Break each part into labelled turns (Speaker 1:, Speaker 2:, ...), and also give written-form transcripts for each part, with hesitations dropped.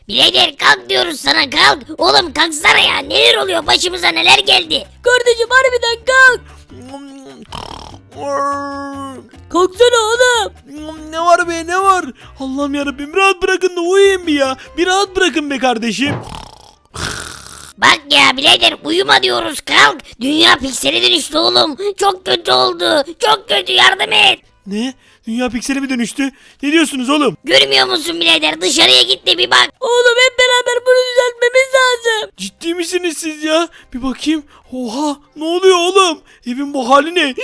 Speaker 1: Birader kalk diyoruz sana, kalk. Oğlum kalksana ya, neler oluyor, başımıza neler geldi.
Speaker 2: Kardeşim harbiden kalk. Kalksana oğlum.
Speaker 3: Ne var be, ne var? Allah'ım yarabbim, rahat bırakın da uyuyayım bir ya. Bir rahat bırakın be kardeşim.
Speaker 1: Bak ya birader, uyuma diyoruz, kalk. Dünya piksele dönüştü oğlum. Çok kötü oldu. Çok kötü, yardım et.
Speaker 3: Ne? Dünya piksele mi dönüştü? Ne diyorsunuz oğlum?
Speaker 1: Görmüyor musun birader, dışarıya git de bir bak.
Speaker 2: Oğlum hep beraber bunu düzeltmemiz lazım.
Speaker 3: Ciddi misiniz siz ya? Bir bakayım. Oha, ne oluyor oğlum? Evin bu hali ne?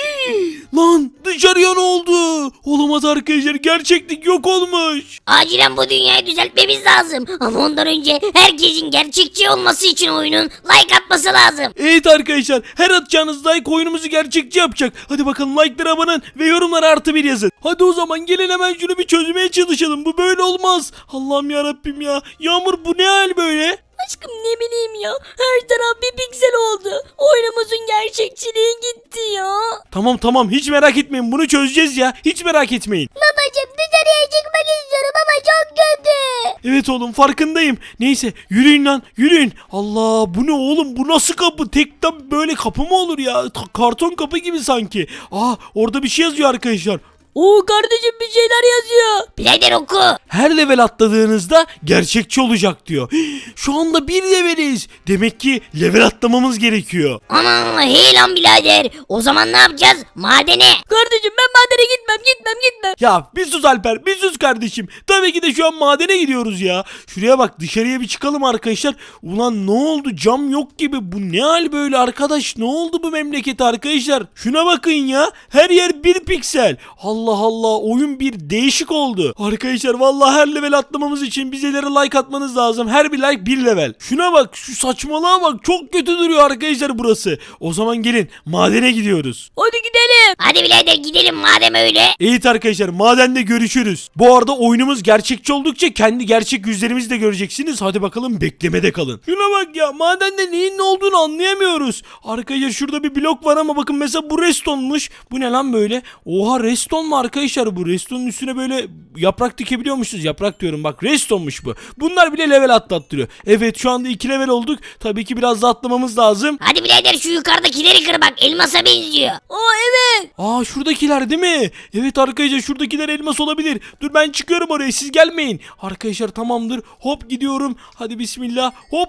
Speaker 3: Lan dışarıya ne oldu? Olamaz arkadaşlar, gerçeklik yok olmuş.
Speaker 1: Acilen bu dünyayı düzeltmemiz lazım. Ama ondan önce herkesin gerçekçi olması için oyunun like atması lazım.
Speaker 3: Evet arkadaşlar, her atacağınız like oyunumuzu gerçekçi yapacak. Hadi bakalım, like'lara abanın ve yorumlara +1 yazın. Hadi o zaman gelin hemen şunu bir çözmeye çalışalım. Bu böyle olmaz. Allah'ım yarabbim ya. Yağmur, bu ne hal böyle?
Speaker 2: Aşkım ne bileyim ya. Her taraf bir piksel oldu. Oyunumuzun gerçekçiliği gitti ya.
Speaker 3: Tamam, hiç merak etmeyin, bunu çözeceğiz ya. Hiç merak etmeyin.
Speaker 2: Babacım dışarıya çıkmak istiyorum ama çok kötü.
Speaker 3: Evet oğlum, farkındayım. Neyse, yürüyün lan, yürüyün. Allah, bu ne oğlum, bu nasıl kapı? Tek böyle kapı mı olur ya? Karton kapı gibi sanki. Orada bir şey yazıyor arkadaşlar.
Speaker 2: Oo kardeşim bir şeyler yazıyor.
Speaker 1: Birader oku.
Speaker 3: Her level atladığınızda gerçekçi olacak diyor. Şu anda 1 leveliz. Demek ki level atlamamız gerekiyor.
Speaker 1: Aman hey lan birader. O zaman ne yapacağız? Madene.
Speaker 2: Kardeşim ben madene gitmem.
Speaker 3: Ya bir sus Alper, bir sus kardeşim. Tabii ki de şu an madene gidiyoruz ya. Şuraya bak, dışarıya bir çıkalım arkadaşlar. Ulan ne oldu, cam yok gibi. Bu ne hal böyle arkadaş? Ne oldu bu memlekete arkadaşlar? Şuna bakın ya. Her yer 1 piksel. Allah Allah, oyun bir değişik oldu. Arkadaşlar vallahi her level atlamamız için bizelere like atmanız lazım. Her bir like 1 level. Şuna bak, şu saçmalığa bak. Çok kötü duruyor arkadaşlar burası. O zaman gelin madene gidiyoruz.
Speaker 2: Hadi gidelim.
Speaker 1: Hadi birader gidelim madem öyle.
Speaker 3: Evet arkadaşlar, madende görüşürüz. Bu arada oyunumuz gerçekçi oldukça kendi gerçek yüzlerimizi de göreceksiniz. Hadi bakalım, beklemede kalın. Şuna bak ya, madende neyin ne olduğunu anlayamıyoruz. Arkadaşlar şurada bir blok var ama bakın mesela bu restonmuş. Bu ne lan böyle? Oha, reston mu arkadaşlar bu? Restonun üstüne böyle yaprak dikebiliyormuşuz. Yaprak diyorum bak, restonmuş bu. Bunlar bile level atlattırıyor. Evet, şu anda 2 level olduk. Tabii ki biraz da atlamamız lazım.
Speaker 1: Hadi birader şu yukarıdakileri kır bak, elmasa benziyor.
Speaker 2: Evet.
Speaker 3: Şuradakiler değil mi? Evet arkadaşlar, şuradakiler elmas olabilir. Dur ben çıkıyorum oraya, siz gelmeyin. Arkadaşlar tamamdır. Hop gidiyorum. Hadi bismillah. Hop.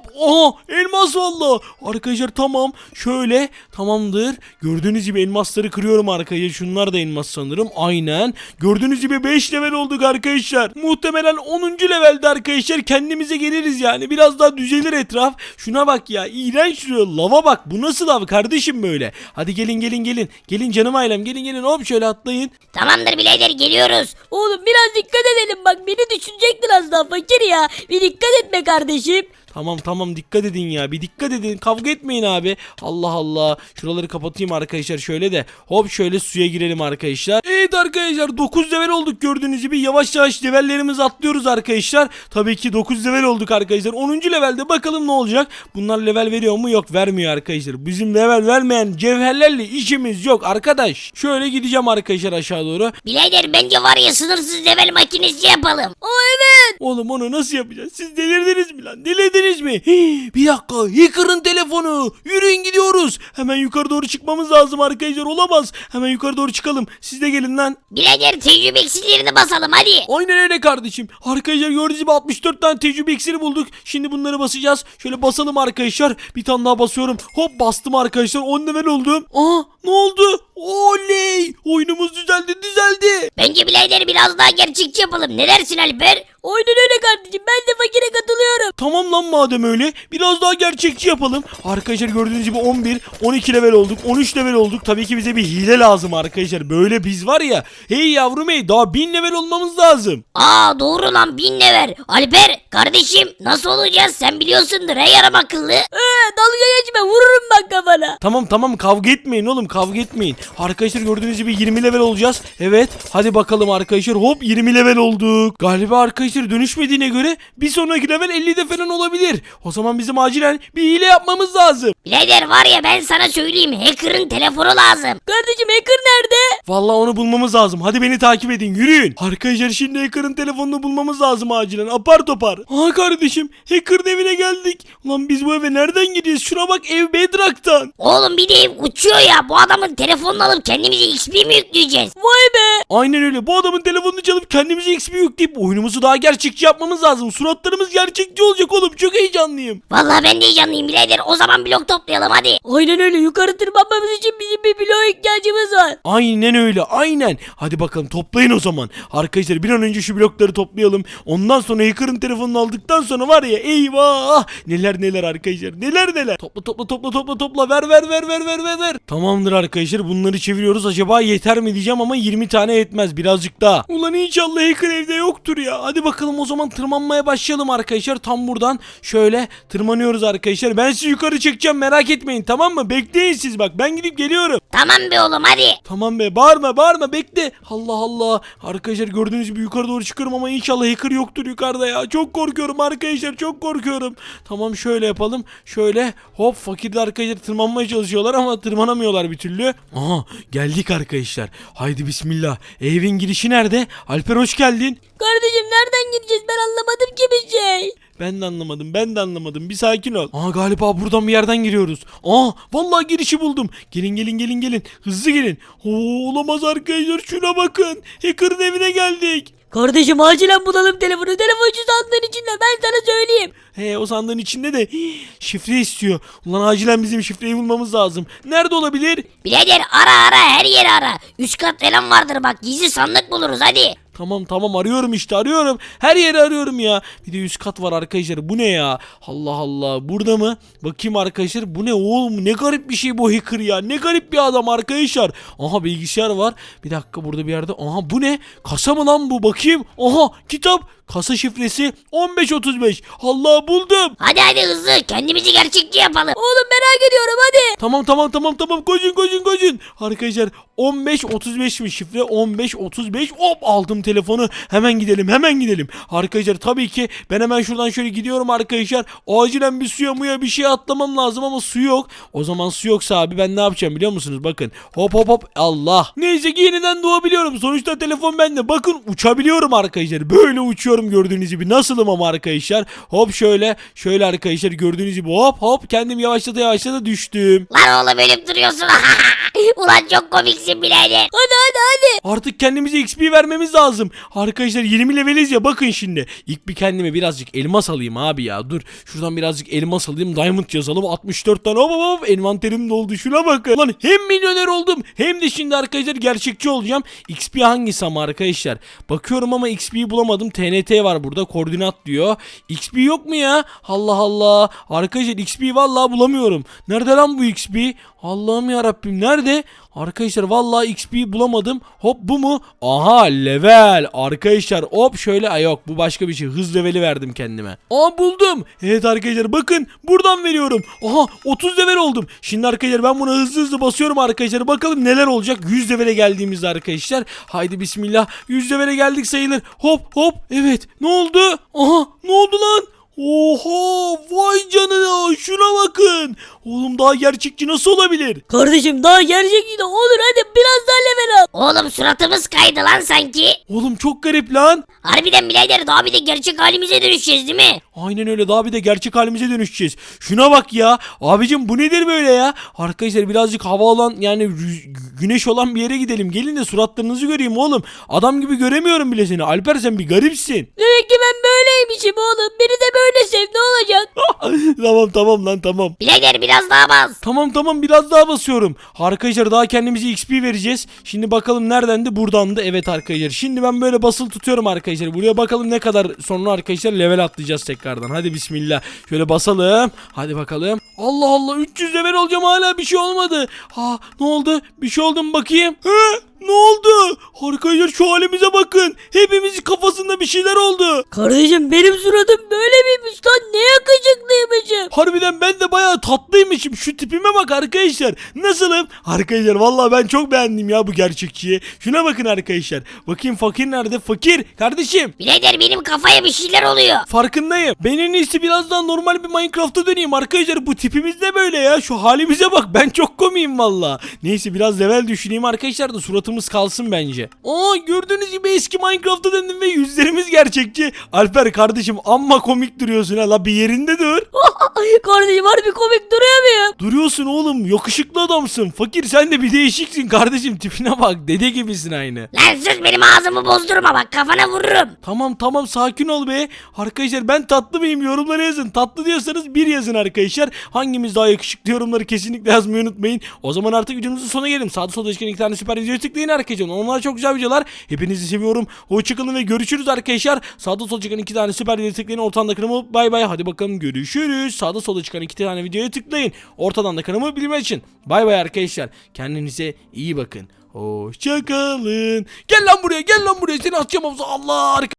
Speaker 3: Elmas valla. Arkadaşlar tamam. Şöyle tamamdır. Gördüğünüz gibi elmasları kırıyorum arkadaşlar. Şunlar da elmas sanırım. Aynen. Gördüğünüz gibi 5 level olduk arkadaşlar. Muhtemelen 10. levelde arkadaşlar kendimize geliriz yani. Biraz daha düzelir etraf. Şuna bak ya. İğrenç şuraya. Lava bak. Bu nasıl lav kardeşim böyle? Hadi gelin. Gelin canım ailem. Gelin. Hop şöyle atlayın.
Speaker 1: Tamamdır birader, geliyoruz.
Speaker 2: Oğlum biraz dikkat edelim bak beni düşünecektir az daha fakir ya. Bir dikkat etme kardeşim.
Speaker 3: Tamam dikkat edin ya, bir dikkat edin, kavga etmeyin abi. Allah Allah, şuraları kapatayım arkadaşlar şöyle de. Hop şöyle suya girelim arkadaşlar. Evet arkadaşlar, 9 level olduk gördüğünüz gibi. Yavaş yavaş levellerimizi atlıyoruz arkadaşlar. Tabii ki 9 level olduk arkadaşlar. 10. levelde bakalım ne olacak. Bunlar level veriyor mu? Yok, vermiyor arkadaşlar. Bizim level vermeyen cevherlerle işimiz yok arkadaş. Şöyle gideceğim arkadaşlar aşağı doğru.
Speaker 1: Birader bence var ya, sınırsız level makinesi yapalım.
Speaker 2: Evet.
Speaker 3: Oğlum onu nasıl yapacağız? Siz delirdiniz mi lan? Delirdiniz mi? Bir dakika. Hacker'ın telefonu. Yürüyün gidiyoruz. Hemen yukarı doğru çıkmamız lazım arkadaşlar. Olamaz. Hemen yukarı doğru çıkalım. Siz de gelin lan.
Speaker 1: Birader tecrübe iksirlerini basalım hadi.
Speaker 3: Aynen öyle kardeşim. Arkadaşlar gördüğünüz gibi 64 tane tecrübe iksiri bulduk. Şimdi bunları basacağız. Şöyle basalım arkadaşlar. Bir tane daha basıyorum. Hop bastım arkadaşlar. 10 level oldum. Ne oldu? Oley. Oyunumuz düzeldi.
Speaker 1: Bence birader biraz daha gerçekçi yapalım. Ne dersin Alper?
Speaker 2: Aynen öyle kardeşim ben de fakire katılıyorum.
Speaker 3: Tamam lan, madem öyle biraz daha gerçekçi yapalım. Arkadaşlar gördüğünüz gibi 11, 12 level olduk, 13 level olduk. Tabii ki bize bir hile lazım arkadaşlar. Böyle biz var ya, hey yavrum hey, daha 1000 level olmamız lazım.
Speaker 1: Doğru lan, 1000 level. Alper kardeşim, nasıl olacağız sen biliyorsundur he yarım akıllı.
Speaker 2: Dalga geçme vururum bak kafana.
Speaker 3: Tamam kavga etmeyin oğlum, kavga etmeyin. Arkadaşlar gördüğünüz gibi 20 level olacağız. Evet hadi bakalım arkadaşlar, hop 20 level olduk. Galiba arkadaşlar dönüşmediğine göre bir sonraki level 50'de falan olabilir. olabilir. O zaman bizim acilen bir hile yapmamız lazım.
Speaker 1: Birader var ya ben sana söyleyeyim hacker'ın telefonu lazım.
Speaker 2: Kardeşim hacker nerede?
Speaker 3: Vallahi onu bulmamız lazım. Hadi beni takip edin. Yürüyün. Arkadaşlar şimdi hacker'ın telefonunu bulmamız lazım acilen. Apar topar. Aa kardeşim hacker'ın evine geldik. Ulan biz bu eve nereden gidiyoruz? Şuna bak ev Bedrock'tan.
Speaker 1: Oğlum bir de ev uçuyor ya bu adamın telefonunu alıp kendimize XP mi yükleyeceğiz?
Speaker 2: Vay be.
Speaker 3: Aynen öyle. Bu adamın telefonunu çalıp kendimize XP yükleyip oyunumuzu daha gerçekçi yapmamız lazım. Suratlarımız gerçekçi olacak oğlum. Çok heyecanlıyım.
Speaker 1: Vallahi ben de heyecanlıyım birader o zaman blok toplayalım hadi.
Speaker 2: Aynen öyle, yukarı tırmanmamız için bizim bir bloğa ihtiyacımız var.
Speaker 3: Aynen öyle. Aynen. Hadi bakalım toplayın o zaman. Arkadaşlar bir an önce şu blokları toplayalım. Ondan sonra hacker'ın telefonunu aldıktan sonra var ya eyvah. Neler neler arkadaşlar. Neler neler. Topla. Ver. Tamamdır arkadaşlar. Bunları çeviriyoruz. Acaba yeter mi diyeceğim ama 20 tane yetmez. Birazcık daha. Ulan inşallah hacker evde yoktur ya. Hadi bakalım o zaman tırmanmaya başlayalım arkadaşlar. Tam buradan şöyle tırmanıyoruz arkadaşlar. Ben sizi yukarı çekeceğim merak etmeyin tamam mı? Bekleyin siz bak ben gidip geliyorum.
Speaker 1: Tamam be oğlum hadi.
Speaker 3: Tamam be bağırma bekle. Allah Allah. Arkadaşlar gördüğünüz gibi yukarı doğru çıkıyorum ama inşallah hacker yoktur yukarıda ya. Çok korkuyorum arkadaşlar çok korkuyorum. Tamam şöyle yapalım. Şöyle hop fakir de arkadaşlar tırmanmaya çalışıyorlar ama tırmanamıyorlar bir türlü. Aha geldik arkadaşlar. Haydi bismillah. Evin girişi nerede? Alper hoş geldin.
Speaker 2: Kardeşim nereden gideceğiz, ben anlamadım ki bir şey.
Speaker 3: Ben de anlamadım. Bir sakin ol. Aa galiba buradan bir yerden giriyoruz. Aa vallahi girişi buldum. Gelin. Hızlı gelin. Oo, olamaz arkadaşlar şuna bakın. Hacker'ın evine geldik.
Speaker 2: Kardeşim acilen bulalım telefonu. Telefoncu sandığın içinde, ben sana söyleyeyim.
Speaker 3: He o sandığın içinde de şifre istiyor. Ulan acilen bizim şifreyi bulmamız lazım. Nerede olabilir?
Speaker 1: Birader ara her yeri ara. Üst kat falan vardır bak gizli sandık buluruz hadi.
Speaker 3: Tamam arıyorum işte arıyorum. Her yeri arıyorum ya. Bir de üst kat var arkadaşlar. Bu ne ya? Allah Allah. Burada mı? Bakayım arkadaşlar. Bu ne oğlum? Ne garip bir şey bu hacker ya. Ne garip bir adam arkadaşlar. Aha bilgisayar var. Bir dakika burada bir yerde. Aha bu ne? Kasa mı lan bu? Bakayım. Aha kitap. Kasa şifresi 1535. Allah buldum.
Speaker 1: Hadi hızlı kendimizi gerçekçi yapalım.
Speaker 2: Oğlum merak ediyorum hadi.
Speaker 3: Tamam koşun. Arkadaşlar 1535'miş şifre 1535. Hop aldım telefonu. Hemen gidelim. Arkadaşlar tabii ki ben hemen şuradan şöyle gidiyorum arkadaşlar. Acilen bir suya muya bir şey atlamam lazım ama su yok. O zaman su yoksa abi ben ne yapacağım biliyor musunuz? Bakın hop Allah. Neyse ki yeniden doğabiliyorum. Sonuçta telefon bende. Bakın uçabiliyorum arkadaşlar. Böyle uçuyorum gördüğünüz gibi. Nasılım ama arkadaşlar. Hop şöyle arkadaşlar gördüğünüz gibi hop kendim yavaşlata düştüm.
Speaker 1: Lan oğlum ölüp duruyorsun. Ulan çok komiksin birader.
Speaker 2: Hadi.
Speaker 3: Artık kendimize XP vermemiz lazım. Arkadaşlar 20 leveliz ya bakın şimdi. İlk bir kendime birazcık elmas alayım abi ya. Dur şuradan birazcık elmas alayım. Diamond yazalım. 64 tane hop envanterim doldu. Şuna bakın. Lan hem milyoner oldum hem de şimdi arkadaşlar gerçekçi olacağım. XP hangisi ama arkadaşlar? Bakıyorum ama XP'yi bulamadım. TNT var burada. Koordinat diyor. XP yok mu ya? Allah Allah. Arkadaşlar XP vallahi bulamıyorum. Nerede lan bu XP? Allah'ım ya Rabbim nerede? Arkadaşlar vallahi XP bulamadım. Hop bu mu? Aha level. Arkadaşlar hop şöyle yok bu başka bir şey. Hız leveli verdim kendime. Aa buldum. Evet arkadaşlar bakın buradan veriyorum. Aha 30 level oldum. Şimdi arkadaşlar ben buna hızlı basıyorum arkadaşlar. Bakalım neler olacak 100 levele geldiğimizde arkadaşlar. Haydi bismillah. 100 levele geldik sayılır. Hop evet. Ne oldu? Aha ne oldu lan? Oha vay canına şuna bakın. Oğlum daha gerçekçi nasıl olabilir?
Speaker 2: Kardeşim daha gerçekçi de olur, hadi biraz daha level al.
Speaker 1: Oğlum suratımız kaydı lan sanki.
Speaker 3: Oğlum çok garip lan.
Speaker 1: Harbiden birader daha bir de gerçek halimize dönüşeceğiz değil mi?
Speaker 3: Aynen öyle daha bir de gerçek halimize dönüşeceğiz. Şuna bak ya. Abicim bu nedir böyle ya? Arkadaşlar birazcık hava olan yani güneş olan bir yere gidelim. Gelin de suratlarınızı göreyim oğlum. Adam gibi göremiyorum bile seni. Alper sen bir garipsin.
Speaker 2: Demek ki ben böyleymişim oğlum. Beni de böyle sev, ne olacak?
Speaker 3: tamam lan tamam.
Speaker 1: Birader biraz daha bas.
Speaker 3: Tamam biraz daha basıyorum. Arkadaşlar daha kendimize XP vereceğiz. Şimdi bakalım neredendi? Buradandı. Evet arkadaşlar. Şimdi ben böyle basılı tutuyorum arkadaşlar. Buraya bakalım ne kadar sonra arkadaşlar level atlayacağız tekrardan. Hadi bismillah. Şöyle basalım. Hadi bakalım. Allah Allah 300 level olacağım hala bir şey olmadı. Ha ne oldu? Bir şey oldu mu bakayım? He? Ne oldu? Arkadaşlar şu halimize bakın. Hepimizin kafasında bir şeyler oldu.
Speaker 2: Kardeşim benim suratım böyle miymiş lan? Ne yakışıklıymışım.
Speaker 3: Harbiden ben de bayağı tatlıymışım. Şu tipime bak arkadaşlar. Nasılım? Arkadaşlar vallahi ben çok beğendim ya bu gerçekçiyi. Şuna bakın arkadaşlar. Bakayım fakir nerede? Fakir kardeşim.
Speaker 1: Birader benim kafaya bir şeyler oluyor.
Speaker 3: Farkındayım. Ben en iyisi birazdan normal bir Minecraft'a döneyim arkadaşlar. Bu tipimiz de böyle ya. Şu halimize bak. Ben çok komiyim valla. Neyse biraz level düşüneyim arkadaşlar da suratımız kalsın bence. Aa gördüğünüz gibi eski Minecraft'a döndüm ve yüzlerimiz gerçekçi. Alper kardeşim amma komik duruyorsun ha. La bir yerinde dur.
Speaker 2: Kardeşim harbi komik duruyor muyum?
Speaker 3: Duruyorsun oğlum. Yakışıklı adamsın. Fakir sen de bir değişiksin kardeşim. Tipine bak. Dede gibisin aynı.
Speaker 1: Lan sus benim ağzımı bozdurma bak kafana vururum.
Speaker 3: Tamam sakin ol be. Arkadaşlar ben tatlı mıyım yorumlara yazın. Tatlı diyorsanız bir yazın arkadaşlar. Hangimiz daha yakışıklı yorumları kesinlikle yazmayı unutmayın. O zaman artık videomuzun sonuna gelelim. Sağda solda çıkan 2 tane süper videoyu tıklayın arkadaşlar. Onlar çok güzel videolar. Hepinizi seviyorum. Hoşçakalın ve görüşürüz arkadaşlar. Sağda solda çıkan 2 tane süper videoyu tıklayın. Ortadan da kanımı bay bay. Hadi bakalım görüşürüz. Sağda solda çıkan 2 tane videoya tıklayın. Ortadan da kanımı bilmek için. Bay bay arkadaşlar. Kendinize iyi bakın. Hoşçakalın. Gel lan buraya seni atacağım havuza. Allah